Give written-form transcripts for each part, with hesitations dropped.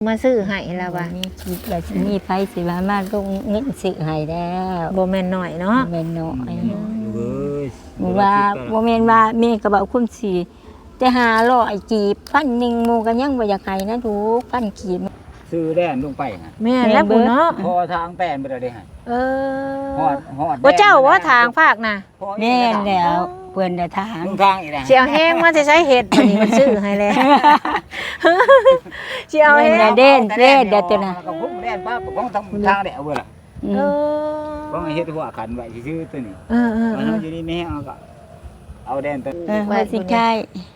มาซื้อให้แล้วว่ะมีคิดว่าสิมีไผสิว่ามาลงเงินซื้อให้แล้วบ่แม่นน้อยเนาะบ่แม่นน้อยเว้ยว่าบ่แม่นว่าแม่ก็บอกคุณสิแต่500กีบ1,000หมู่ก็ยังบ่อยากให้นะลูก1,000กีบซื้อแดนลงไปฮะแม่นแล้วพุ่นเนาะพอทางแป้นบ่ได้ฮะเออฮอดว่าเจ้าว่าทางภาคน่ะแม่นแล้วเพิ่นได้ทหารลงทางอีกนะสิเอาแห้งมาจะใช้เฮ็ดอันนี้มันซื้อให้แล้วสิเอาแห้งเด่นเด้อตัวน่ะก็พุ่งแดนป้าของทางแดดเว้ยล่ะเออบ่ให้เฮ็ดหัวขันไว้ซื่อๆตัวนี้เออมันอยู่นี่แม่เอาก็เอาแดนตัวว่าสิใช่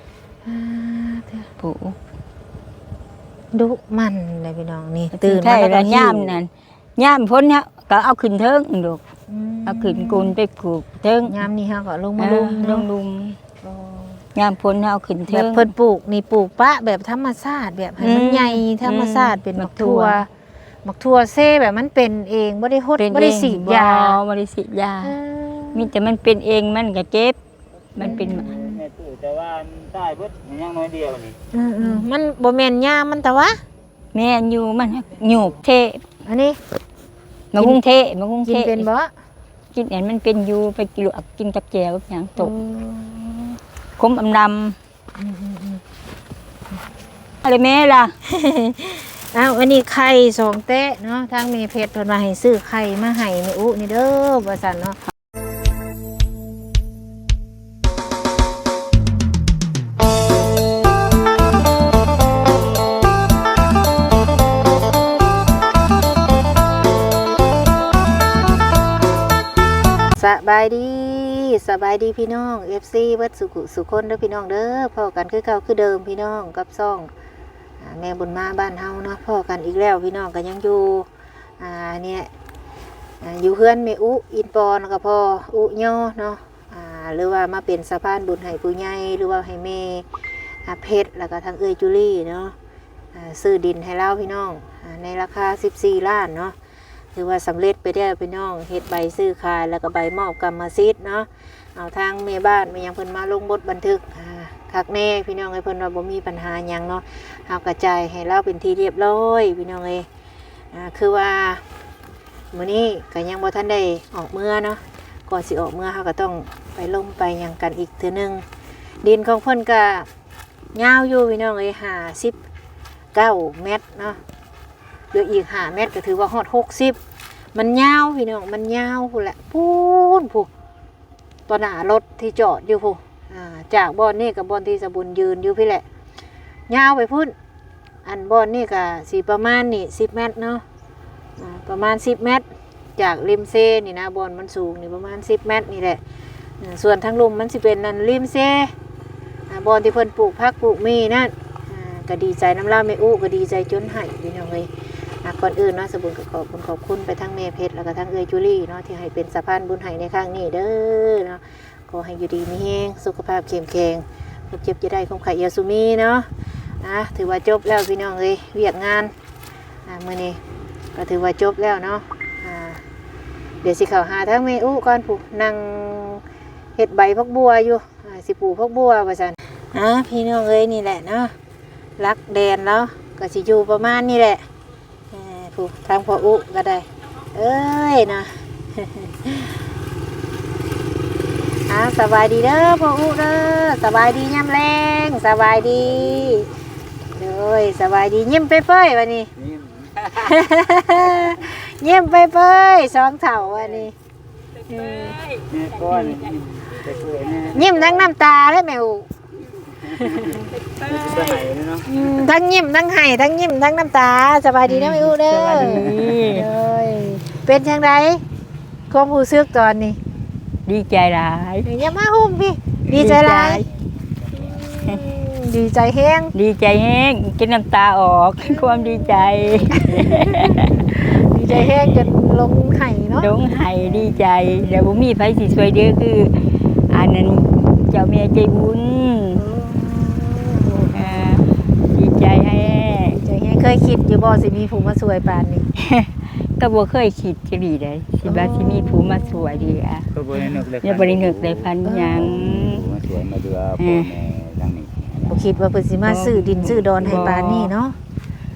ผู้ดุมันเลยพี่น้องนี่ตื่ตื่นนใช่มาแล้วย่ามนั่นย่ามพ้นเนี่ยก็เอาขึ้นเทิงลูกเอาขึ้นกุนไปผูกเทิงยามนี้เฮาก็ลงมาลุมลงลุมย่ามพ้นเอาขึ้นแบเทิบงเพิ่นปลูกนี่ปลูกปะแบบธรรมชาติแบบให้มันใหญ่ธรรมชาติเป็นหมักทั่วหมักทั่วเซ่แบบมันเป็นเองบ่ได้ฮดบ่ได้ฉีดยาบ่ได้ฉีดยามีแต่มันเป็นเองมันก็เจ็บมันเป็นแม่ตู้แต่ว่าใต้เบิดยังน้อยเดียวนี่มันบ่แม่นยามันแต่ว่าแม่อยู่มันหยูกเทอันนี้มากรุงเทพมากรุงกิเทนพเป็นบ่กินอันมันเป็นอยู่ไปกินลวกกินกับแจวอย่างตกคมอำลำอะไรแม่ล่ะอ้าวอันนี้ไข่2แตะเนาะทางเมเพชรเพิ่นว่าให้ซื้อไข่มาให้แม่อุนี่เด้อว่าซั่นเนาะสบายดีพี่น้อง FC เบิดสุคนเด้อพี่น้องเด้อพอกันคือเก่าคือเดิมพี่น้องกับซ่องแม่บุญมาบ้านเฮาเนาะพอกันอีกแล้วพี่น้องก็ยังอยู่เนี่ยอยู่เฮือนแม่อุอินปอนก็พออุย่อเนาะหรือว่ามาเป็นสะพานบุญให้ผู้ใหญ่หรือว่าให้แม่เพชรแล้วก็ทางเอ้ยจุลี่เนาะซื้อดินให้เราพี่น้องในราคา14ล้านเนาะถือว่าสำเร็จไปได้พี่น้องเฮ็ดใบซื้อขายแล้วก็ใบมอบกรรมสิทธิ์เนาะเอาทางแม่บ้านมายังเพิ่นมาลงบทบันทึกคักแน่พี่น้องเอ้ยเพิ่นว่าบ่มีปัญหาหยังเนาะเอากระจายให้เราเป็นที่เรียบร้อยพี่น้องเอ้ยคือว่ามื้อนี้ก็ยังบ่ทันได้ออกเมื่อเนาะก่อนสิออกเมื่อเฮาก็ต้องไปลงไปหยังกันอีกเทื่อนึงดินของเพิ่นก็ยาวอยู่พี่น้องเอ้ย59เมตรเนาะเหลืออีก5เมตรก็ถือว่าฮอด60มันยาวพี่น้องมันยาวพู้นแหละพูนผู้ตอนหน้ารถที่จอดอยู่ผู้จากบ่อนนี่กับบ่อนที่สะบุญยืนอยู่พี่แหละยาวไปพุ่นอันบ่อนนี่ก็สิประมาณนี่10เมตรเนาะประมาณ10เมตรจากริมเซนี่นะบ่อนมันสูงนี่ประมาณ10เมตรนี่แหละส่วนทางลุ่มมันสิเป็นนั่นริมเซบ่อนที่เพิ่นปลูกผักปลูกมีนั่นก็ดีใจน้ำลาแม่อุก็ดีใจจนให้พี่น้องเอ้ยก่อนอื่นเนาะสบุญก็ขอบคุณไปทั้งเมเพชรแล้วก็ทั้งเอยจูลี่เนาะที่ให้เป็นสะพานบุญให้ในครั้งนี้เด้อเนาะขอให้อยู่ดีมีแรงสุขภาพเข้มแข็งเจ็บจะได้คงไข่ยาสุมีเนาะถือว่าจบแล้วพี่น้องเลยเวียกงานมื้อนี้ก็ถือว่าจบแล้วเนาะเดี๋ยวสิเข้าหาทั้งเมอุก่อนผู้นั่งเฮ็ดใบพักบัวอยู่สิปลูกพักบัวว่าซั่นพี่น้องเอ้ยนี่แหละเนาะรักแดนแล้วก็สิอยู่ประมาณนี้แหละทางพ่ออุก็ได้เอ้ยนะ สบายดีเด้อพ่ออุเด้อสบายดียามแรงสบายดีเด้อสบายดียิ้มเป้ยๆวันนี้ ยิ้มเป้ยๆสองเท่าวันนี้ยิ้มทั้งน้ำตาเลยแม่อุทั้งยิ้มทั้งไห้ทั้งยิ้มทั้งน้ำตาสบายดีนะแม่อุเด้อเป็นจังไดความรู้สึกตอนนี้ดีใจหลายอย่ามาหุ้มพี่ดีใจหลายดีใจแห้งดีใจแห้งกินน้ำตาออกความดีใจดีใจแห้งจนลงไห้เนาะลงไห้ดีใจเดี๋ยวผมมีไผสิช่วยเด้อคืออันนั้นเจ้าแม่ใจบุญดีใจแห้งเคยคิดอยู่บ่สิมีผู้มาช่วยปานนี้ก็บ่เคยคิดจะดีเลยสิว่าสิมีผู้มาช่วยดีก็บ่ได้นึกเลยบ่ได้นึกเลยพันหยังมาช่วยมาเดือพ่อแม่ดังนี้บ่คิดว่าเพิ่นสิมาซื้อดินซื้อดอนให้ปานนี้เนาะ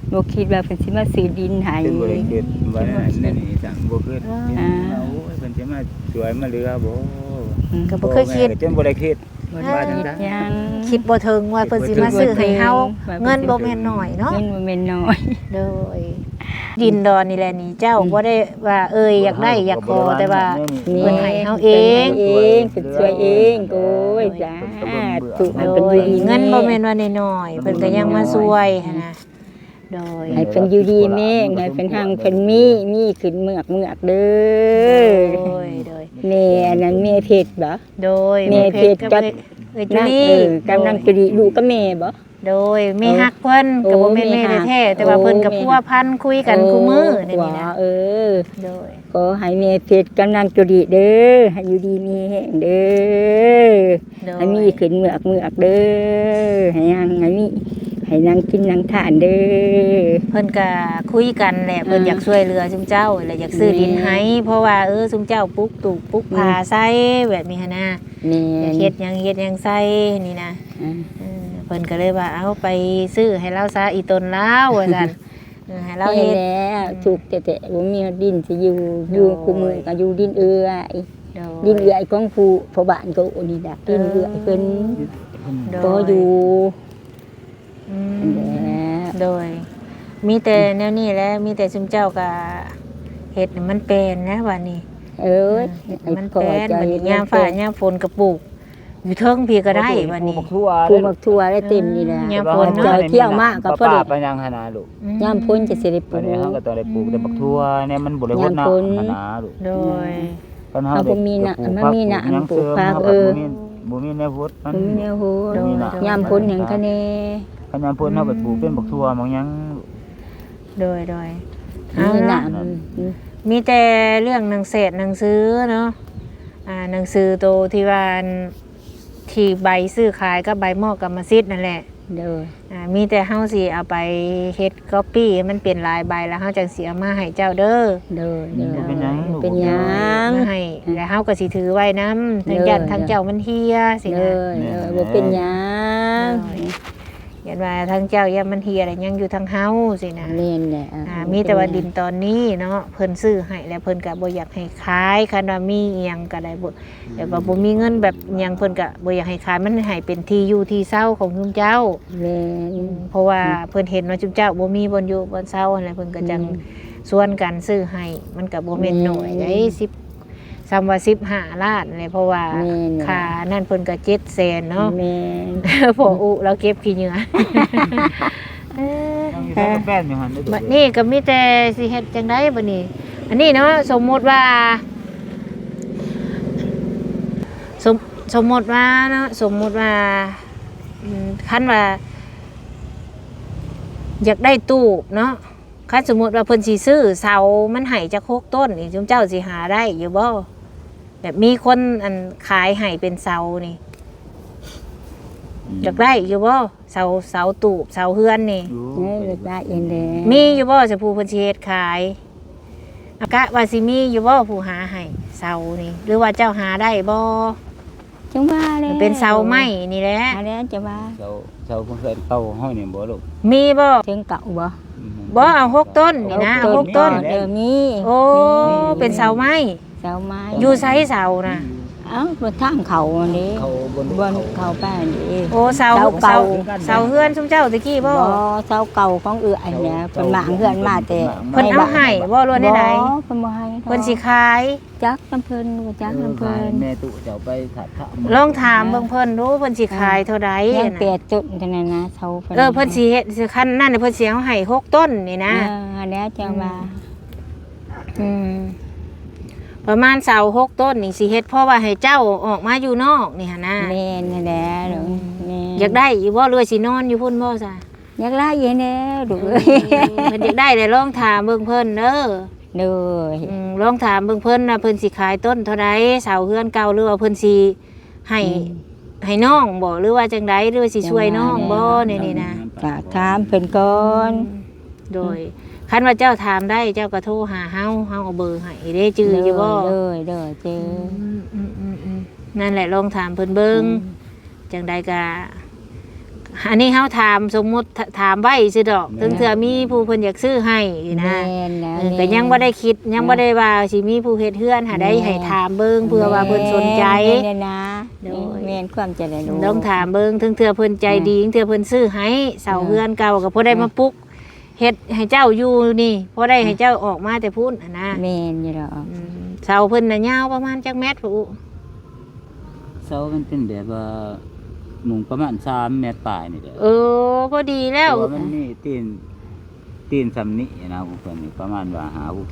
บ่คิดว่าเพิ่นสิมาซื้อดินให้เป็นบ่ได้คิดว่านั่นนี่จังบ่คิดโอ้ยเพิ่นสิมาช่วยมาเหลือบ่ก็บ่เคยคิดจนบ่ได้คิดบ่ได้คิดหยังคิดบ่ถึงว่าเพิ่นสิมาซื้อให้เฮาเงินบ่แม่นน้อยเนาะเงินบ่แม่นน้อยโดยดินดอนนี่แหละนี่เจ้าบ่ได้ว่าอยากได้อยากขอแต่ว่า เพิ่นให้เฮาเองเองเพิ่นช่วยเองโอ้ยจ้าถูกให้โดเพิ่นยอยู่ดีเงินบ่แม่นว่าน้อยๆเพิ่นก็ยังมาช่วยหันนะโดยให้เพิ่นอยู่ดีแม่งให้เพิ่นหังเพิ่นมีขึ้นเมือกเด้อโดยแม่อันนั้นแม่เพชรบ่โดยแม่เพชรกับเอ้ยจุนั่งลี่กำลังจะดีลูกกับแม่บ่โดยแม่ฮักเพิ่นก็บ่แม่นแม่แท้ๆแต่ว่าเพิ่นก็พัวพันคุยกันคู่มือนี่นี่นะเออโดยก็ให้แม่เพชรกำลังจะดีเด้อให้อยู่ดีมีแห้งเด้อโดยให้มีขึ้นเมือกเด้อให้ยังให้มีให้นางกินนางทานเด้อเพิ่นก็คุยกันแหละเพิ่นอยากช่วยเหลือซุมเจ้าและอยากซื้อดินให้เพราะว่าซุมเจ้าปลูกตูกปลูกผาใส่แบบนี้หั่นนะแม่อยากเฮ็ดหยังใส่นี่นะเพิ่นก็เลยว่าเอาไปซื้อให้เราซะอีตนแล้วว่าซั่นให้เราเราเฮ็เฮ็ดดแล้วถูกแต่บ่มีดินสิอยู่คู่มือก็อยู่ดินเอื้อยดินเอื้อยของผู้พ่อบ้านก็โอนี่ดะดินเอื้อยเพิ่นบ่อยู่อืนั่นมแหละโดย มีแต่แนวนี้แหละมีแต่ซุมเจ้าก็เฮ็ดให้มันเป็นนะว่านี่เอ้ยมันเป็นบัดนี้ยามฟ้ายามฝนก็ปลูก อยู่เทิงพี่ก็ได้ว่านี่ทั่วปลูกมักทั่วได้เต็มนี่แหละยามฝนเนาะเจ้าเที่ยวมากก็พอป้าดีไปยังหนาลูกยามพ้นจะสิได้ปลูวันกนี้เฮาก็ต้องได้ปลูกแต่บักทั่วเนี่ยมันบ่ได้ฮดน้ำหนาลูกโดยคันเฮาเอาบ่มีน่ะมันมีน่ะอันปลูกผักบ่มีแนวฮดมันบ่มีแนวโหโดยยามพ้นหยังคะแน่คันยามพ้นเฮาก็ปลูกเป็นบักทั่วบางหยังโดยเอามีน่ะเนาะมีแต่เรื่องหนังเศษหนังซื้อเนาะหนังสือโตที่ว่าที่ใบซื้อขายกับใบมอบกรรมสิทธิ์นั่นแหละเด้อมีแต่เฮาสิเอาไปเฮ็ดก๊อปปี้ให้มันเป็นลายใบแล้วเฮาจังสิเอามาให้เจ้าเด้อเด้อเด้อเป็นหยังลูกเป็นหยังมาให้แล้วเฮาก็สิถือไว้นำทั้งยันทั้งเจ้ามันเฮียสิเด้นะอบ่เป็นหยังยันว่าทั้งเจ้ายันมันเฮียอะไรยังอยู่ทั้งเฮาสินะแม่นแหละมีแต่ว่าดินตอนนี้เนาะเพิ่นซื้อให้แล้วเพิ่นก็บ่อยากให้ขายคันว่ามีอีหยังก็ได้บ่แต่ว่าบ่มีเงินแบบอิหยังเพิ่นก็บ่อยากให้ขายมันให้เป็นที่อยู่ที่เช่าของชุมเจ้าแม่นเพราะว่าเพิ่นเห็นว่าชุมเจ้าบ่มีบ่อนอยู่บ่อนเช่าอะไรเพิ่นก็จังส่วนกันซื้อให้มันก็บ่แม่นน้อยได้10ซ้ำว่า15ล้านเลยเพราะว่าค่านั่นเพิ่นก็700,000เนาะแม่นพออุเราเก็บขี้เหงื่อยังอยู่ทั้งแป้นอยู่หั่นได้บัดนี้ก็มีแต่สิเฮ็ดจังไดบัดนี้ อันนี้เนาะสมมุติว่าสมมุติว่าเนาะสมมุติว่าคันว่าอยากได้ตู้เนาะคันสมมุติว่าเพิ่นสิซื้อเสามันให้จัก6ต้นนี่จุมเจ้าสิหาได้อยู่บ่แบบมีคนอันขายให้เป็นเสานี่อยากได้อยู่บ่เสาตูบเสาเฮือนนี่เอ้ยได้เองแหละมีอยู่บ่จะผู้เพิ่นสิเฮ็ดขายอากะว่าสิมีอยู่บ่ผู้หาให้เสานี่หรือว่าเจ้าหาได้บ่จังว่าแล้วเป็นเสาไม้นี่แหละหาแล้วจะว่าเจ้าเพิ่นเคยเข้าห้องนี่บ่ลูกมีบ่ถึงเก่าบ่บ่เอา6ต้นนี่นะเอา6ต้นเออมีโอ้เป็นเสาไม้เสาไม้อยู่ไสเสานะเอ้าบนทางเขาอันนี้เขาบนบนเขาแป้นนี่โอ้เสาเสาเก่าเสาเฮือนซุมเจ้าตะกี้บ่บ่เสาเก่าของเอื้อยเนี่ยเพิ่นมาเฮือนมาแต่เพิ่นเอาให้บ่รวนได้ใดบ่เพิ่นบ่ให้เพิ่นสิขายจักน้ำเพิ่นบ่จักน้ำเพิ่นแม่ตุเจ้าไปถัดลองถามเบิ่งเพิ่นดูเพิ่นสิขายเท่าใดยังน่ะเปียจุดเท่านั้นนะเสาเพิ่นสิเฮ็ดสิคันนั่นน่ะเพิ่นสิเอาให้6ต้นนี่นะอันนี้จังว่าประมาณเสา6ต้นนี่สิเฮ็ดเพราะว่าให้เจ้าออกมาอยู่นอกนี่หั่นนะแม่นนั่นแหละเด้อแม่นอยากได้อยู่บ่หรือว่าสินอนอยู่พุ่นบ่ซะอยากได้อยังแน่ดูเอ้ยเพิ่นอยากได้เลยลองถามเบิ่งเพิ่นเด้อเด้อลองถามเบิ่งเพิ่นว่าเพิ่นสิขายต้นเท่าใดเสาเฮือนเก่าหรือว่าเพิ่นสิให้น้องบ่หรือว่าจังไดหรือว่าสิช่วยน้องบ่นี่นะก็ถามเพิ่นก่อนโดยคันว่าเจ้าถามได้เจ้าก็โทรหาเฮาเอาเบอร์ให้เด้จื้ออยู่บ่เด้อเด้อเจอนั่นแหละลองถามเพิ่นเบิ่งจังใดก็อันนี้เฮาถามสมมุติถามไว้ซื่อดอกถึงเทื่อมีผู้เพิ่นอยากซื้อให้นะแม่นนะก็ยังบ่ได้คิดยังบ่ได้ว่าสิมีผู้เฮ็ดเฮือนหาได้ให้ถามเบิ่งเพื่อว่าเพิ่นสนใจแม่นนะโดยแม่นความจะได้รู้ต้องถามเบิ่งถึงเทื่อเพิ่นใจดีถึงเทื่อเพิ่นซื้อให้เสาเฮือนเก่าก็พอได้มาปลุกเฮ็ดให้เจ้าอยู่นี่พอได้ให้เจ้าออกมาแต่พุ่นนะแม่นอยู่ดอกเสาเพิ่นน่ะยาวประมาณจักเมตรพุเสามันเป็นแบบว่าหมุงประมาณ3 เมตรปลายนี่แหละพอดีแล้วเพราะว่ามันนี่ตีนสำนี้นะพวกเพิ่นนี่ประมาณว่า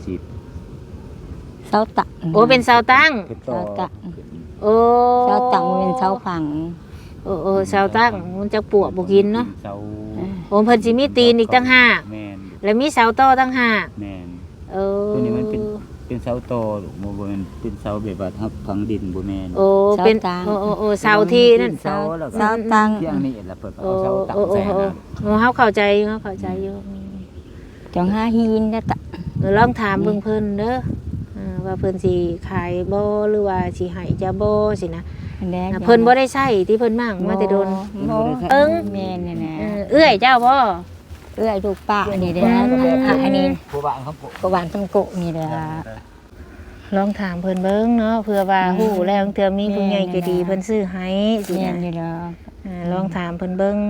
60 เสาตักโอ้เป็นเสาตั้งคือต่อเสาตักโอ้เสาตักมันเป็นเสาฝังเสาตั้งมันจะปวกบ่กินเนาะเสาโอ้เพิ่นสิมีตีนอีกตั้งห้าแม่นแล้วมีเสาต่อตั้งห้าแม่นเออตัวนี้มันเป็นเสาโตหรือบ่แม่นเป็นเสาแบบว่าทับฝังดินบ่แม่นเป็นเสาที่นั่นเสาแล้วก็เสาตั้งเที่ยงนี้แล้วเพิ่นเอาเสาตั้งใส่นะเฮาเข้าใจอยู่จังหาหินนะตะลองถามเบิ่งเพิ่นเด้อว่าเพิ่นสิขายบ่หรือว่าสิให้จะบ่สินะเพิ่นบ่ได้ใช้ที่เพิ่นมั่งมาแต่โดนเอิ้งแม่นนะเอื้อยเจ้าบ่เอื้อยลูกป้านี่เด้ออันนี้ผู้บ้านเขาปลูกกบานต้นโกะนี่เด้อลองถามเพิ่นเบิ่งเนาะเผื่อว่าฮู้แล้วเทื่อมีผู้ใหญ่ใจดีเพิ่นซื้อให้สิแม่นนะนี่เด้อลองถามเพิ่นเบิ่ง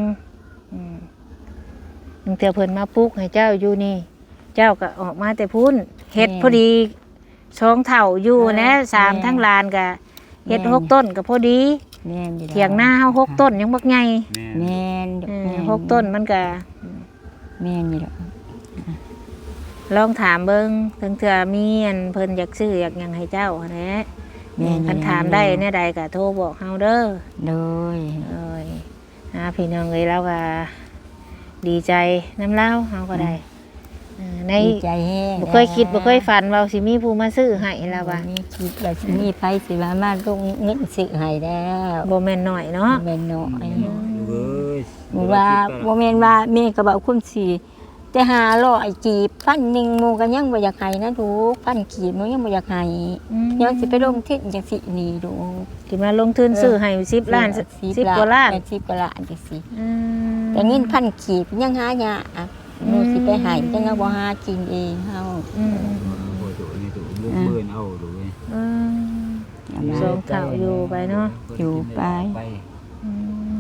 เทื่อเพิ่นมาปลุกให้เจ้าอยู่นี่ เจ้าก็ออกมาแต่พุ่นเฮ็ดพอดี2เท่าอยู่นะ3ทั้งลานก็เฮ็ด6ต้นก็พอดีแม่นอยู่เถียงหน้าเฮา6ต้นยังบักใหญ่แม่น 6ต้นมันก็แม่นอยู่ดอกลองถามเบิ่งถึงเทื่อมีอันเพิ่นอยากซื้ออยากหยังให้เจ้าแหละแม่นคันถามได้แน่ใดก็โทรบอกเฮาเด้อโดยพี่น้องเอ้ยแล้วก็ดีใจน้ำเล่าเฮาก็ได้ในดีใจแฮงบ่เคยคิดบ่เคยฝันว่าสิมีผู้มาซื้อให้แล้วว่ามีคิดว่าสิมีไผสิมาลงเงินซื้อให้แล้วบ่แม่นน้อยเนาะแม่นน้อยเว้ยว่าบ่แม่นว่าแม่ก็บอกคุณสิแต่500กีบพันหนึ่งหมู่ก็ยังบ่อยากให้นะลูกพันกีบหนูยังบ่อยากให้ยังสิไปลงทุนจังสินี่ลูกสิมาลงทุนซื้อให้10ล้าน10กว่าล้าน 10กว่าล้านจังสิอืมแต่เงินพันกีบยังหายากหนูสิไปให้จังเอาบ่หากินเองเฮาอืมบ่ตัวนี้ตัวลูกเบิ่นเอาดูเว้ยอืม สองเท่าอยู่ไปเนาะอยู่ไปอืม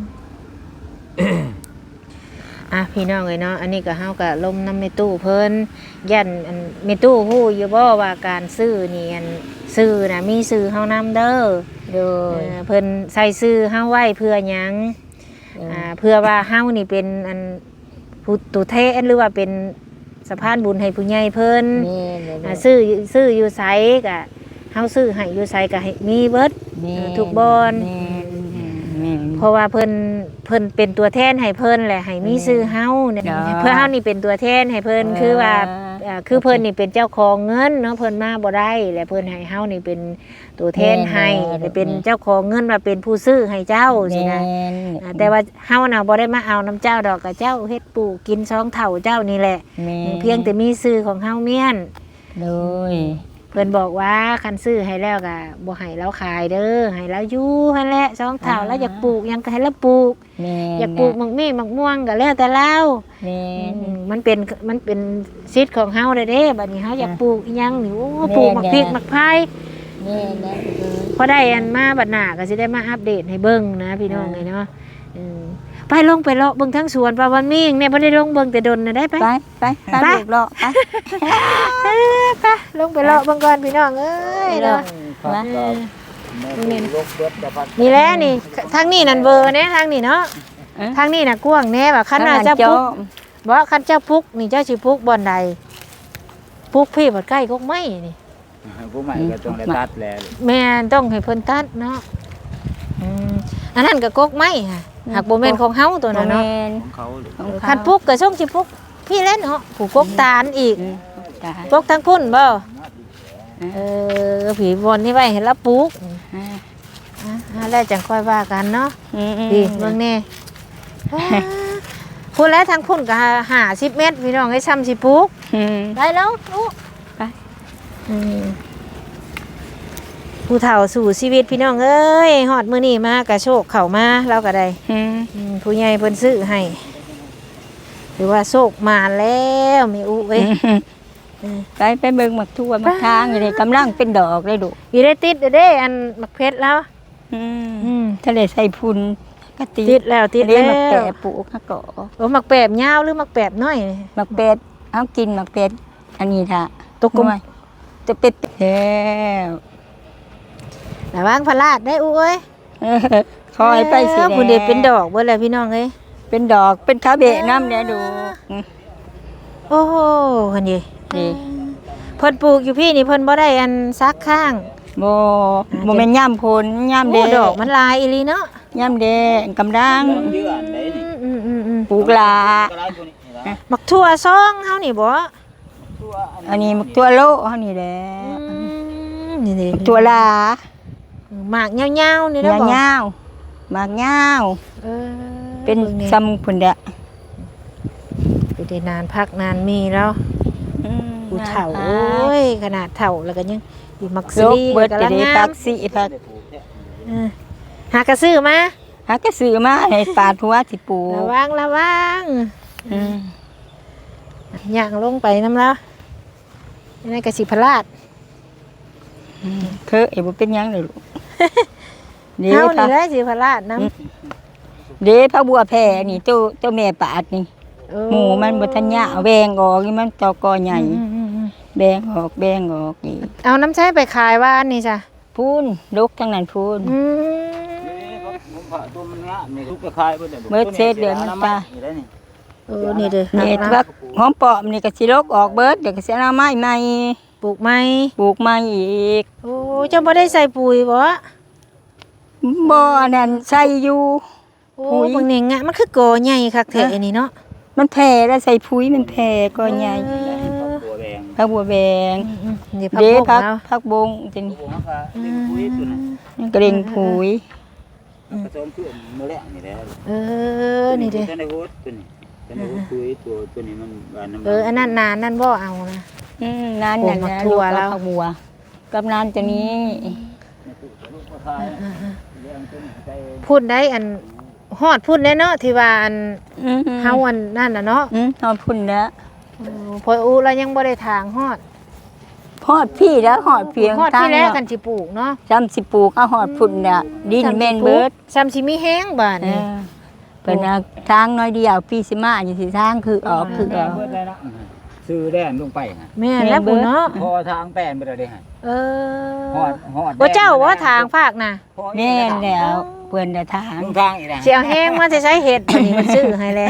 พี่น้องเอ้ยเนาะอันนี้ก็เฮาก็ลมน้ำแม่ตู้เพิ่นยันอันแม่ตู้ฮู้อยู่บ่ว่าการซื้อนี่อันซื้อน่ะมีซื้อเฮานำเด้อโดยเพิ่นใส่ซื้อเฮาไว้เพื่อหยังเพื่อว่าเฮานี่เป็นอันผู้ตุเทศหรือว่าเป็นสะพานบุญให้ผู้ใหญ่เพิ่นแม่นซื้ออยู่ไสก็เฮาซื้อให้อยู่ไสก็ให้มีเบิด ทุกบอนแม่นเพราะว่าเพิ่นเป็นตัวแทนให้เพิ่นแหละให้มีซื้อเฮาเนี่ยจ้าเพื่อเฮานี่เป็นตัวแทนให้เพิ่นคือว่าคือเพิ่นนี่เป็นเจ้าของเงินเนาะเพิ่นมาบ่ได้และเพิ่นให้เฮานี่เป็นตัวแทนให้และเป็นเจ้าของเงินว่าเป็นผู้ซื้อให้เจ้าสินะแต่ว่าเฮาน่ะบ่ได้มาเอาน้ำเจ้าดอกกับเจ้าเฮ็ดปลูกกิน2เท่าเจ้านี่แหละแม่เพียงแต่มีซื้อของเฮาเมียนโดยเพิ่นบอกว่าคันซื้อให้แล้วก็บ่ให้เราขายเด้อให้เราอยู่หั่นแหละ2เท่าแล้วอยากปลูกหยังก็ให้เราปลูกแม่อยากปลูกหมักมี่หมักม่วงก็แล้วแต่เราแม่มันเป็นสิทธิ์ของเฮาเด้บัดนี้เฮาอยากปลูกอีหยังนี่โอ้แม่ปลูกหมักพริกหมักไผ่แม่นะพอได้อันมาบัดหน้าก็สิได้มาอัปเดตให้เบิ่งนะพี่น้องไงเนาะไปลงไปเลาะเบิ่งทั้งสวนปลาวันมีเนี่ยบ่ได้ลงเบิ่งแต่ดนน่ะได้ไปไปลูกเลาะไปไปลงไปเลาะเบิ่งก่อนพี่น้องเอ้ยเนาะครับก็แม่ลูกเบิดจะพัดนี่แหละนี่ทางนี้นั่นเบอร์เนี่ยทางนี้เนาะทางนี้น่ะกว้างแน่ว่าคันน่ะเจ้าพุกบ่คันเจ้าพุกนี่เจ้าสิพุกบ่อนใดพุกพี่บ่ใกล้กกไม้นี่ผู้ใหม่ก็ต้องได้ตัดแล้วแม่นต้องให้เพิ่นตัดเนาะอันนั้นก็กกไม้ค่ะหากบ่แม่นของเฮาตัวนั้นเนาะของเขาหรือคันพุกก็ส่งสิพุกพี่เล่นเนาะผู้กกตาลอีกจ้ะกกทั้งพุ่นบ่ผีบนนี่ไว้ให้ละปลูกแล้วจังค่อยว่ากันเนาะดีเบิ่งแน่พูดแล้วทางพุ่นก็50 เมตรพี่น้องให้ซ้ำสิปลูกได้แล้วลูกไปผู้เฒ่าสู่ชีวิตพี่น้องเอ้ยฮอดมื้อนี้มากระโชคเข้ามาเราก็ได้ ผู้ใหญ่เพิ่นซื้อให้หรือว่าโชคมาแล้วแม่อุเอ้ยไปเบิ่งหมักทั่วหมักทางอยู่นี่กำลังเป็นดอกเลยลูกอีได้ติดเด้อันมักเพชรแล้วทะเลใส่พุนก็ติติดแล้วติดเรียแล้กหมักแปะวปลูกฮะก็โอ้มักแปบยาวหรือมักแปบน้อยหมักเป็ดเอากินหมักเป็ดอันนี้ท่ะตกกลมจะเป็ดแล้วระวังพลาดได้อุเอ้ยคอยไปสิผู้เด็กเป็นดอกเบิดแล้วพี่น้องเอ้ยเป็นดอกเป็นขาเบะน้ำเนี่ยดูโอ้โหคนนี้นี่เพิ่นปลูกอยู่พี่นี่เพิ่นบ่ได้อันซักข้างโมเป็นย่ำพลย่ำแดโอ้งดอกมันลายอีหลีเนาะย่ำแดงกำลังเดือนได้นี่ปลูกลาก็หลายคนนี่นะมักทั่วซองเฮานี่บ่ตัวอันนี้มักตัวโลเฮานี่แหละนี่นี่ตัวลาหมากยาวๆนี่เงนะบ่าวๆมากเงาวเออเป็นบิ่งนี่ซ้ำพุ่นเด้ออยู่ได้นานพักนานมีแล้วผู้เฒ่าโอ้ยขนาดเฒ่าแล้วก็ยังอยู่มักโลซีกเบิดกำจะลังได้งาพัมกสิพักเออหากระซื้อมาหาก็ซื้อมาให้ปาดหัวสิปลูกระวังระวังอืมย่างลงไปน้ำแล้วนี่กระสิพลาดเคยบ่เป็นหยังเลยลูกเด้เฮาพันี่กแหละสิพลาดน้เด้พักบัวแผ่นี่ตัวแม่ปาดนี่ำหมูมันบ่ทันยะแวงออกนี่มันตอกอใหญ่อืมแบงออกนี่เอาน้ำใช้ไปขายว่าอันนี้จ้ะพูนลกทั้งนั้นพูนอืมผมผ่าตัวมันงะนี่ทุกกระคายเบิดเบิดเศษเดือนมันตายนี่ได้นี่เออนี่เด้อนี่นะพักหอมปอมนี่ก็สิลกออกเบิดเดี๋ยวก็สิเอาไม้ใหม่ปลูกไหมปลูกใหม่อีกโอ้เจ้าบ่ได้ใส่ปุ๋ยบ่บ่อันนั้นใส่อยู่โอ้ปุ๋ยบางนี่งะมันคือกอใหญ่คักแท้อันนี้เนาะมันแผ่แล้วใส่ปุ๋ยมันแผ่ก็ใหญ่ตัวแดงพักบัวแบงนี่พักเด้บกพักแล้วพักบงจังตัวผมว่าเด็กคุยตัวนั้นนี่ก็เร่งปุ๋ยผสมเพื่อนมื้อแรกนี่แหละเออนี่เด้อตัวในโฮสตัวนี้ตัวในโฮสคุยตัวนี้มันบานน้ำเอออันนั้นนานนั่นบ่เอานะนั่นโอ้น่ะมักนะถั่ลูกวแล้วพักบัวกำนันตัวนี้ลูกกระคายเลี้ยงตัวนี้ไปพูดได้อันฮอดพูดได้เนาะที่ว่าอันเฮาอันนั่นน่ะเนาะนอนพุ่นแล้วพออูเรายังบ่ได้ทางฮอดหอดพี่แล้วหอดเพียงฮอดตั้ที่งแรแล้กวกันสิปลูกเนาะจำสิปลูกเอาหอดพุ่นเนี่ยดินแม่นเบิดซ้ำสิมีแห้งบาดเอนี่อเป็นเอาทางน้อยเดียวปีสิมาอยู่สิทางคือออกคือออกเบิดได้นะซื้อแดนลงไปฮะแม่นแล้วพุ่นเนาะพอทางแป้นไปแล้วเด้ฮะเออฮอดบ่เจ้าว่าทางภาคน่ะแม่นแล้วเพิ่นได้ทางลงทางอีกนะสิเอาแห้งมาจะใช้เห็ดอันนี้มันซื้อให้แล้ว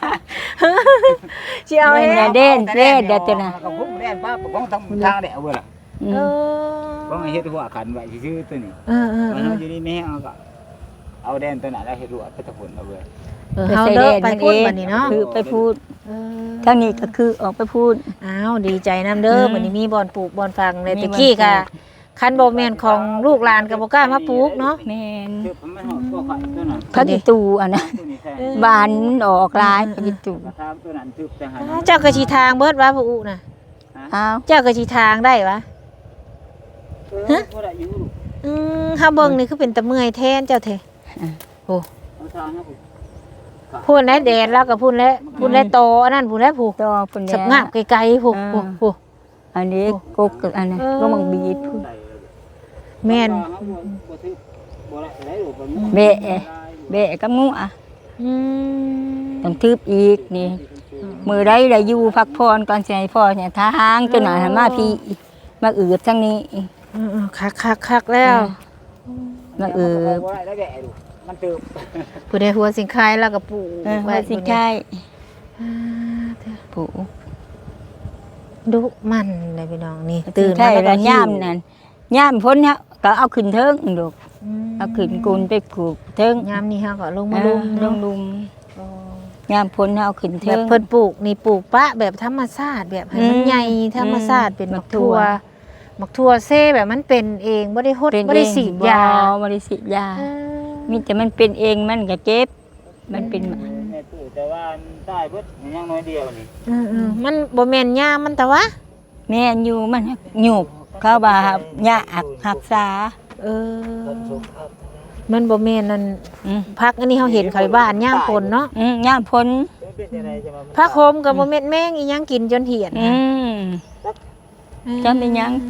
สิเอาแห้งเด่นเด่นเดี๋ยวตัวน่ะก็พุ่งแดนป้าปกป้องทางแดดเบิดล่ะเออป้องให้เฮ็ดหัวขันไว้ซื่อๆตัวนี้เออมันอยู่นี่แม่เอาก็เอาแดนตัวนั้นแล้วเฮ็ดหัวไปตะผลเอาเบิดเฮาเด้อไปพูดบัดนี้เนาะคือไปพูดเออทางนี้ก็คือออกไปพูดอ้าวดีใจนํเด้อบัดนี้มีบ่อนปลูกบ่อนฟังเลยมีตะกี้บ่อนปลูก็กคันบ่แม่นของลูกหลานก็บ่กล้ามาปลูกเนาะแม่นคือมันหอดตัวไข่ตัวนั้นพักอีตูอันนั้นตัวนี้แท้บานออกลายพักอีตูกระทำตัวนั้นทึบแต่หันเจ้าก็สิทางเบิดว่าผู้อุน่ะอ้าวเจ้าก็สิทางได้วะบ่ได้อยู่ลูกเฮาเบิ่งนี่คือเป็นตะเมื่อยแทนเจ้าแท้เอาทางนะลูกพูดแล้วแดดแล้วก็พูดแล้วโตอันนั้นพูดแล้วผู้ต่อพุ่นสัแล้บวงาบไกลๆผู้อ่า อันนี้กกอันนั้นก็มังบีดพูดแม่นบ่ทึบบ่ได้ได้ลูกบ่มีเบะเบะกับงูอ่ะอืมต้องทึบอีกนี่มือได้ได้อยู่พักพรก่อนสิให้พ่อเนี่ยทางตัวหน่อยมาพี่มาอืดทางนี้คักๆแล้วมาอืดบ่ได้ได้แก่ลูกมันตึบผู้ใดหัวสิงคายแล้วก็ปลูกไว้สิใช่ผู้ดุมันเลยพี่น้องนี่ตื่ตื่นนใช่มาแล้วก็ย่ามนั่นย่ามพ้นเนี่ยก็เอาขึ้นเทิงดอกเอาขึ้นกุนไปผูกเทิงยามนี้เฮาก็ลงมาลุมลงลุมย่ามพ้นเอาขึ้นแบเทิบงเพิ่นปลูกนี่ปลูกปะแบบธรรมชาติแบบให้มันใหญ่ธรรมชาติเป็นหมักทั่วหมักทั่วเซ่แบบมันเป็นเองบ่ได้ฮดบ่ได้สีดยาบ่ได้ฉีดยามีแต่มันเป็นเองมันก็เจ็บมันเป็นแม่ตู้แต่ว่าใต้เบิดยังน้อยเดียวนี่มันบ่แม่นยามันแต่ว่าแม่นอยู่มันหยุบใต้เขาบ่าหยากรักษาเออมันบ่แม่นนั่นอืมพักอันนี้เฮาเห็นเขาบ้านย่ามพลเนาะย่ามพ้นพักโฮมก็บ่แม่นแมงอีหยังกินจนเหี่ยนจำเป็นหยัง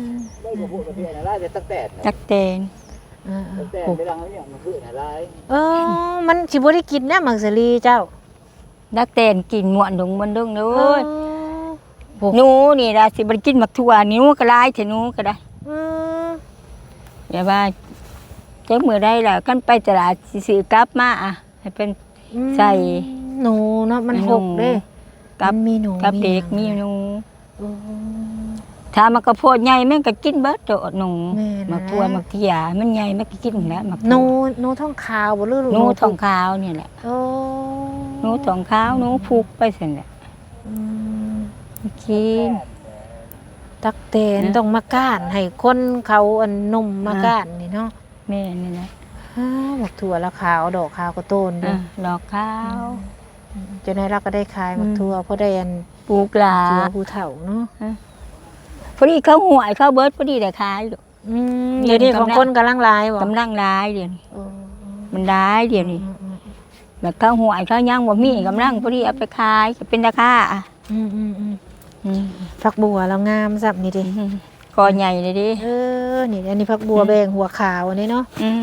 จักแตนเออแต่เวลาเขาอย่างมันคืออะไรเออมันสิบ่ได้กินนะมังสลีเจ้าจักแตนกินหมวนดงมันดงเด้เอออหนูนี่ล่ะสิบ่ได้กินหมักถั่วนิ้วก็หลายแต่หนูก็ได้เอออย่าว่าจักมื้อใดล่ะกันไปตลาดสิซื้อกลับมาอ่ะให้เป็น ใส่หนูเนาะมันหกเด้กับมันมีหนูกับเด็กหมียังหนูเออถ้ามันก็โพดใหญ่แม่งก็กินเบิดโดดหนูแม่นะหมักถั่วหมักเถียมันใหญ่มันก็กินแล้วหมักหนูถั่วหนูท้องขาวบ่หรือหนูทองขาวนี่แหละโอ้หนูทองขาวหนูพุกไปซั่นแหละอืมกินตักแตนนะต้องมาก้านให้คนเขาอันนุ่มมาก้านนี่เนาะแม่นี่แหละบักถั่วละขาวดอกขาวก็โตนเด้ดอกขาวจนได้เราก็ได้ขายบักถั่วเพราะได้อันปลูกหลาเจือผู้เฒ่าเนาะพอดีเขาหวยเขาเบิดพอดีได้ขายอยู่เดี๋ยวนี้ของคนกำลังหลายบ่กำลังร้ายเดี๋ยวนี้เออมันร้ายเดี๋ยวนี้แบบเขาหวยเขายังบ่มีกำลังพอดีเอาไปขายก็เป็นราคาอ่ะอืมผักบัวเรางามสับนี่ดิคอใหญ่เลยดินี่อันนี้ผักบัวแบงหัวขาวอันนี้เนาะ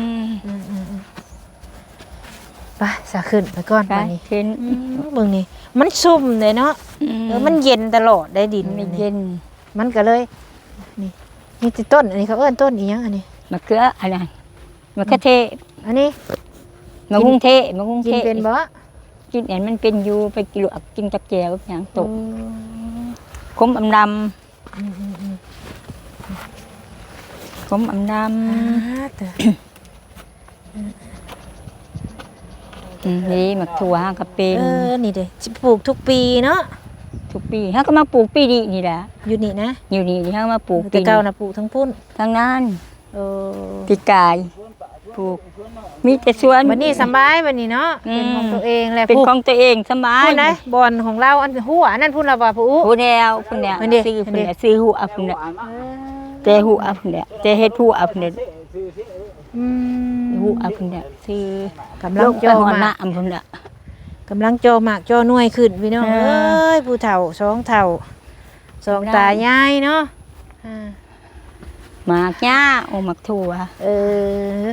ไปสะขึ้นไปก่อนไปวันนี้ขึ้นเบิ่งนี่มันซุ่มเลยเนาะมันเย็นตลอดได้ดินไม่นี่เย็นมันก็เลยนี่ติต้นอันนี้เขาเอิ้นต้นอีหยังอันนี้มะเขืออะไรมะเขือเทศอันนี้มะกุ้งเทศมะกุ้งกิเทนศเป็นบ่กินเห็นมันเป็นอยู่ไปกินลวกกินกับแจวอย่างตกขมอำดำขมอำดำนี่มะถั่วฮะก็เป็นนี่เด้สิปลูกทุกปีเนาะทุกปีฮะก็มาปลูกปีนี้นี่แหละอยู่นี่นะอยู่นี่ฮะมาปลูกแต่เก่านะปลูกทั้งพุ่นทางนั้นเออปีกายปลูกมีแต่สวนวันนี้สบายวันนี้เนาะเป็นของตัวเองแหละเป็นของตัวเองสบายพูดนะบอนของเราอันหัวนั่นพูดละว่าผู้ผู้แนวผู้แนวอันนี้ซื้ออันผู้นี้แนวซื้อหัวผู้แนวแต่หัวผู้แนวแต่เฮ็ดหัวผู้แนวอืมหัวผู้แนวซื้อกำลังลงโจไปหอมากน้ำผู้แนวกำลังโจมากโจหน่วยขึ้นพี่น้องอ่าเอ้ยผู้เฒ่าสองเฒ่าสองตายายเนาะอ่าหมากหญ้าโอหมักถั่วเออ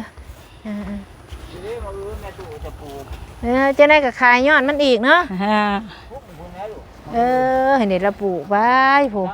จะได้กับขายยอดมันอีกเนาะอ่าเห็นเด็ดเราปลูกไว้ผม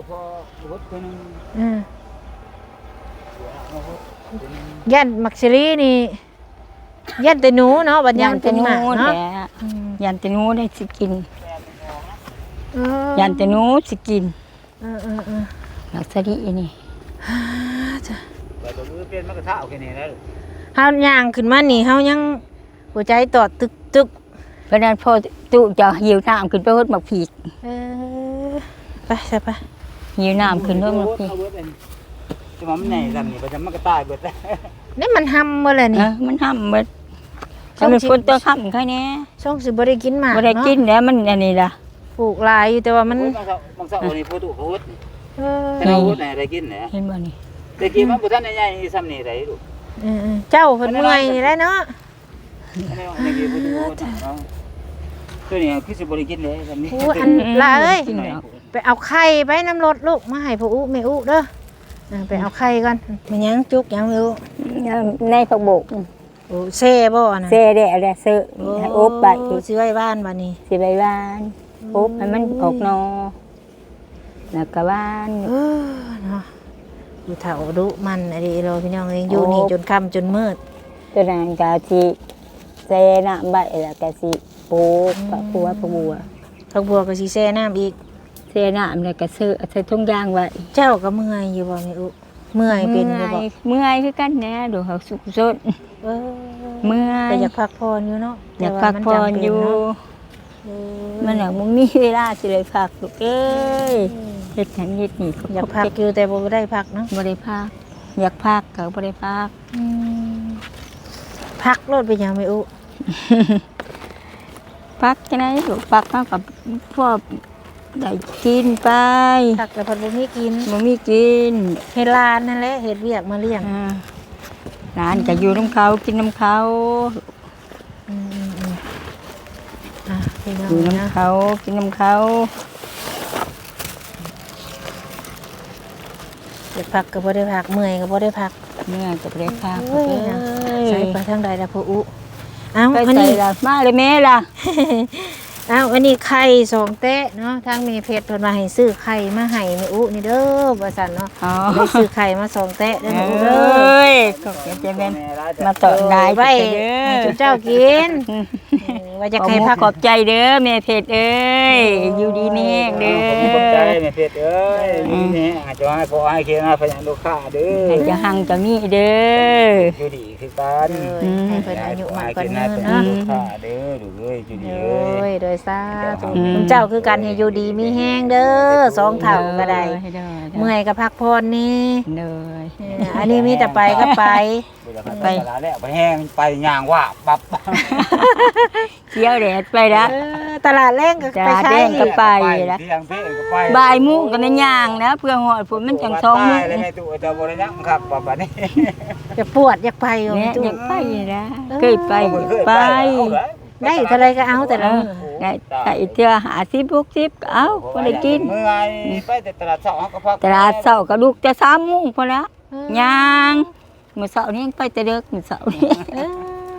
ยันมักซิลีนี่ยันแต่หนูเนาะบัดยามมันเป็นหมากเนาะเนาะยันแต่หนูได้สิกินเออยันแต่หนูสิกินเออหมักสะดินี่แต่ตัวมือเป็นมันก็เท่าแค่นี้แล้วเฮาย่างขึ้นมานี่เฮายังหัวใจตอดตึกเพราะนั้นพอตู้จะหิวน้ำขึ้นไปหดหมักผีกเออไปใช่ปะหิวน้ำขึ้นหดหมักผีกจะมันใหญ่ลำนี่ประจำมันก็ตายเบิดแล้วนี่มันห้ำมาเลยนี่มันห้ำหมดถ้ามันฝนตัวค่ำแค่นี้ช่องสิบ่ได้กินหมากบ่ได้กินแล้วมันอันนี้ล่ะปลูกหลายอยู่แต่ว่ามันบางเสานี่พูดถูกพูดเออแต่เราพูดไหนได้กินเนี่ยเห็นบ่นี่ได้กินมันบุท่านใหญ่ๆซ้ำนี่ได้ลูกเจ้าเพิ่นเมื่อยนี่แหละเนาะได้กินพูดถูกตัวนี้คือสิบริกินเลยซ้ำนี่อู้อันละเอ้ยกินแล้วไปเอาไข่ไปน้ำรถลูกมาให้พ่ออุแม่อุเด้อไปเอาไข่ก่อนมันยังจุกยังไม่รู้ในผักบกโอ้เซ่บ่นะเซ่ได้อะไรเซ่อบไปสิไว้บ้านบัดนี้สิใบบ้านอบให้มันออกนอแล้วก็บ้านเออเนาะอยู่เฒ่าดุมันอะไรเราพี่น้องเองอยู่นี่จนค่ำจนมืดตัวนั้นก็สิเซ่น้ำใบแล้วก็สิปลูกผักบัวผักบัวผักบัวก็สิแซ่น้ำอีกเซ่น้ำแล้วก็ซื้อใส่ถุงยางไว้เจ้าก็เมื่อยอยู่บ่แม่อุเมื่อยเป็นอยู่บ่เมื่อยคือกันแน่ดูเขาสุขสดเออเมื่อยแต่อยากพักผ่อนอยู่เนาะอยากพักผ่อนอยู่ มันหนักมึงมีเวลาสิเลยพักลูกเอ้ยเฮ็ดหันเฮ็ดนี่อยากพักอยู่แต่บ่ได้พักเนาะบ่ได้พักอยากพักก็บ่ได้พักพักรถไปยังไม่อุพักจังได๋ลูกพักเฮากับพวกได้กินไปผักกับเพิ่นบ่มีกินบ่มีกินเฮ็ดลานนั่นแหละเฮ็ดเวียกมาเลี้ยงร้านก็อยู่น้ำเขากินน้ำเขาอืมพี่น้ออง ยู่นะน้ำเขากินน้ำเขาเดี๋ยวพักก็บ่ได้พักเมื่อยก็บ่ได้พักเมื่อกับเล็กค่ะโอ้ยนะใส่ไปทางใดล่ะพ่ออุเอ้าไปอันใส่นี้ละมาเลยแม่ล่ะอ้าวอันนี้ไข่2เตะเนาะทางแม่เพชรเพิ่นมาให้ซื้อไข่มาให้แม่อุนี่เด้อว่าซั่นเนาะอ๋อได้ซื้อไข่มา2เตะเด้อเอแม่อุเด้อ้ยก็จะเป็นมาตอนได้ไว้เด้ให้อจุเจ้ากินว่าจะขอให้บพักขอบใจเด้อแม่เพชรเอ้ยอยู่ดีนี่เด้อขอบใจแม่เพชรเอ้ยนี่อาจจะให้พอให้เคียงพยานลูกค้าเด้อให้จะหังจะมีเด้ออยู่ดีคือกันให้เพิ่นอายุมากกว่าให้นี้เพิ่นเนาะลูกค้าเด้อดูเอ้ยอยู่ดีโดเอ้ยยโดยสาธุคุณเจ้าคือกันให้อยู่ดีมีแห้งเด้อ2เท่าก็ได้เมื่อยก็พักผ่อนนี่เด้ออันนี้มีแต่ไปก็ไปไปตลาดแล้วไปแห้งไปย่างว่าปับเที่ยวแดดไปละตลาดแรงก็จ้าไปใช้แดงก็ ไปละเที่ยงเพ่ก็ไปบ่ายโมุ้งกันนะย่างนะเพื่อหอดฝนมันจังท้องมุ้งแล้วแม่ตู่จะบ่ได้ยังครับบัดนี้จะปวดอยากไปอยู่เนี่ยจุ๊อยากไปนะเคยไปไปได้เท่าไรก็เอาแต่ละมื้อได้เที่ยว50-60ก็เอาพอได้กินเมื่อยไปแต่ตลาดเช้าเฮาก็พักตลาดเช้าก็ลุกแต่3 โมงพอละย่างมื้อเช้านี้ยังไปแต่เด็กมื้อเช้านี้เออ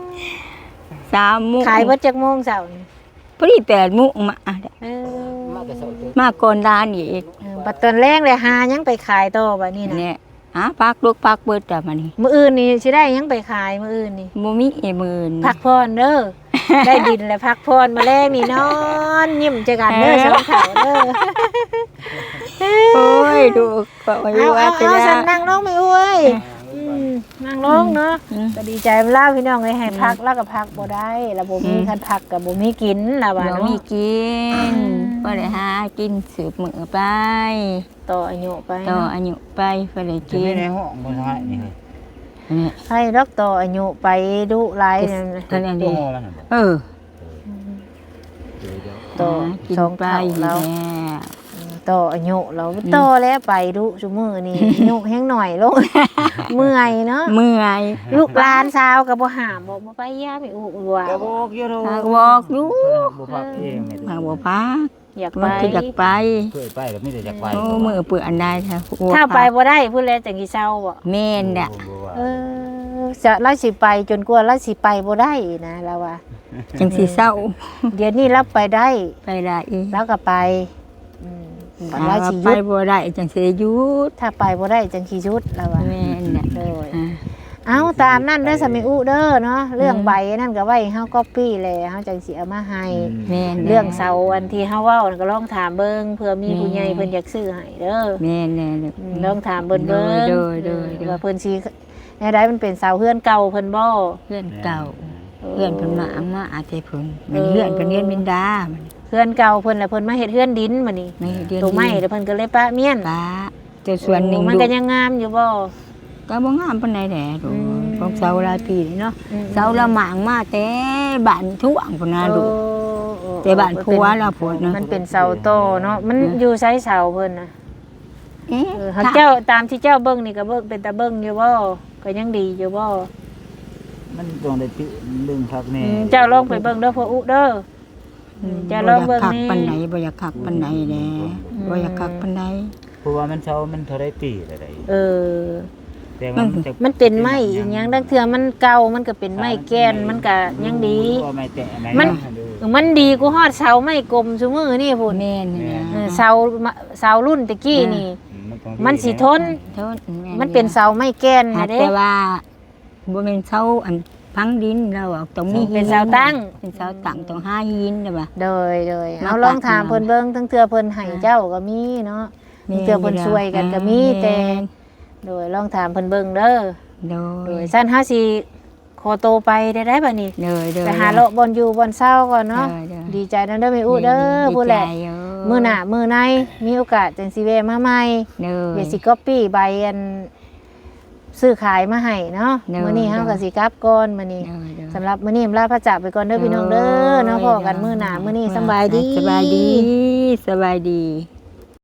3 โมงขายเบิดจักโมงเช้านี่พอดี8 โมงมาเออมาก่อนร้านอีกบัดตอนแรงเลยหายังไปขายต่อบัดนี้นะเนี่ยพักลูกพักเบิดแต่มานี่มื้ออื่นนี่สิได้ยังไปขายมื้ออื่นนี่บ่มีหมื่นพักพรเด้อ ได้ดินแล้วพักพรมาแรงนี่นอนยิ้มเจอกันเด้อสองเขาเด้อโอ้ยดูก็อายุเอาว่าเอาจะฉันละนั่งลงไม่อ้วยนั่งลงเนาะก็ดีใจเล่าพี่น้องเลยให้พักแล้วก็พักบ่ได้แล้วบ่มีคันพักกับบ่มีกินล่ะว่าบ่เนาะมีกินบ่ได้หากินสืบมื้อไปต่ออายุไปต่ออายุไปบ่ได้กิกินนในห้องบ่ใช่นี่นี่ให้ดอกต่ออายุไปดุหลายนั่นนั่นอันตันี้วมันเออต่อกินสองไปเท่าแล้แล้ว วต่ออายุเราต่อแล้วไปดุซุมื้อนี่ อายุแฮงหน่อยลง เมื่อยเนาะเมื่อยลูกหลานสาวก็บ่ห้ามบ่ไปยาไปอุว่าก็บอกอยู่โหากบอกอยู่บ่พักเองแม่หากบ่พักอยากไปมันคืออยากไปเคยไปแล้วมีแต่อยากไปโอ้มือเปื้อนได้ค่ะถ้าไปบ่ได้พูดแล้วจังสิเศร้าบ่แม่นน่ะเออจะเราสิไปจนกว่าเราสิไปบ่ได้นะเราว่าจังสิเศร้าเดี๋ยวนี้เราไปได้ไปได้อีกเราก็ไปบัดถ้าเราว่าสิหไปยุดบ่ได้จังสิหยุดถ้าไปบ่ได้จังสิหยุดเราว่าแม่นน่ะโดยอ่าเอาตามนั่นเด้อสมิอุเด้อเนาะเรื่องใบนั่นก็ไว้เฮาก๊อปปี้เลยเฮาจังสิเอามาให้แม่นน่ะเรื่องเสาอันที่เฮาเว้านั่นก็ลองถามเบิ่งเผื่อมีผู้ใหญ่เพิ่นอยากซื้อให้เด้อแม่นน่ะลองถามเบิ่งเบิ่งโดยว่าเพิ่นสิแนวใดมันเป็นเสาเฮือนเก่าเพิ่นบ่เพื่อนเก่าเพื่อนเพิ่นมาเอามาอาจจะเพิ่นมันเพื่อนเพิ่นเรียนบินดามันเฮือนเก่าเพิ่นแล้วเพิ่นมาเฮ็ดเฮือนดินมานี่ไม่เรียนตัวไม้แล้วเพิ่นก็เลยปะเมียนป้าแต่ส่วนหนึ่งมันก็ยังงามอยู่บ่ก็บ่งามปานใดแหละดูอืมของเสาหลายปีนี่เนาะเสาละหมางมาแต่บ้านทุ่งพุ่นน่ะลูก แต่บ้านผัวเราผัวเนอะมันเป็นเสาโตเนาะมันอยู่ไสเสาเพิ่นน่ะเอ๊ะหากเจ้าตามที่เจ้าเบิ่งนี่ก็เบิ่งเป็นตาเบิ่งอยู่บ่ก็ยังดีอยู่บ่มันต้องได้ปิดึงพักแน่เจ้าลองไปเบิ่งเด้อพ่ออุเด้อเจ้าลองเบิ่งคักนี่ปานไหนบ่อยากคักปานไหนแหละบ่อยากคักปานใดเพราะว่ามันเช้ามันเท่าไรปีอะไรเออแต่มันจะมันเป็นไม้อีหยังดังเทื่อมันเก่ามันก็เป็นไม้แกนมันก็ยังดีว่าไม่แต่ไหนมันดีกูฮอดเสาไม้กลมซุมื้อนี่พุ่นแม่นนี่นะเสารุ่นตะกี้นี่ มันสิทนโทษแมันเป็นเสาไม้แกนหานะเด้แต่ว่าบ่แม่นเสาอันพังดินเราเอาตรงนี้เป็นเสาตั้งเป็นเสาตั้งตรง5หินน่ะบ่โดยมาเอาลองถามปักเพิ่นเบิ่งทั้งเทื่อเพิ่นให้เจ้าก็มีเนาะทั้งเทื่อเพิ่นช่วยกันก็มีแต่โดยลองถามเพิ่นเบิ่งเด้อโดโดยยซั่นเฮาสิขอโตวไปได้บัดนี้โดยไปหาเลาะบ่อนอยู่บ่อนเช้าก่อนเนาะโดยดีใจนำเด้อแม่อุเด้อผู้แหละมื้อหน้ามื้อในมีโอกาสจังสิแวะมาใหม่โดยเดี๋ยวสิก๊อปปี้ใบอันซื้อขายมาให้เนาะเด้อมื้อนี้เฮาก็สิกลับก่อนมื้อนี้เด้อสำหรับมื้อนี้ลาพระจากไปก่อนเด้อพี่น้องเด้อเนาะพอกันมื้อหน้ามื้อนี้สำบายดีสบายดี